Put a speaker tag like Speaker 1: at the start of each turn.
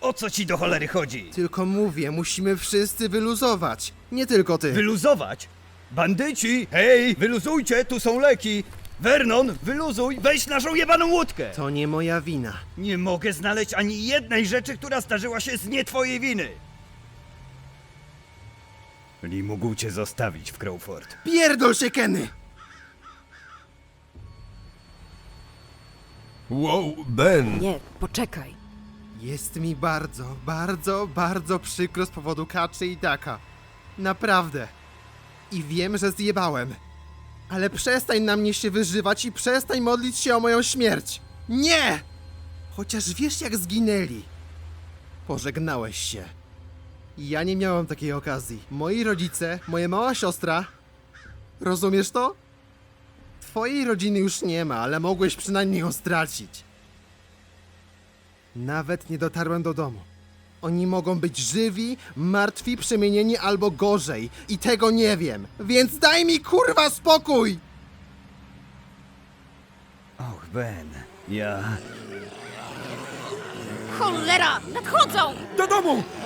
Speaker 1: O co ci do cholery chodzi?
Speaker 2: Tylko mówię, musimy wszyscy wyluzować. Nie tylko ty.
Speaker 1: Wyluzować? Bandyci! Hej, wyluzujcie, tu są leki! Vernon, wyluzuj, weź naszą jebaną łódkę!
Speaker 2: To nie moja wina.
Speaker 1: Nie mogę znaleźć ani jednej rzeczy, która zdarzyła się z nie twojej winy! Lee mógł cię zostawić w Crawford.
Speaker 2: Pierdol się, Kenny!
Speaker 3: Wow, Ben!
Speaker 4: Nie, poczekaj.
Speaker 2: Jest mi bardzo, bardzo, bardzo przykro z powodu Kaczy i Daka. Naprawdę. I wiem, że zjebałem. Ale przestań na mnie się wyżywać i przestań modlić się o moją śmierć. Nie! Chociaż wiesz, jak zginęli. Pożegnałeś się. Ja nie miałem takiej okazji. Moi rodzice, moja mała siostra. Rozumiesz to? Twojej rodziny już nie ma, ale mogłeś przynajmniej ją stracić. Nawet nie dotarłem do domu. Oni mogą być żywi, martwi, przemienieni albo gorzej. I tego nie wiem. Więc daj mi kurwa spokój!
Speaker 1: Och, Ben, ja...
Speaker 4: Cholera! Nadchodzą!
Speaker 3: Do domu!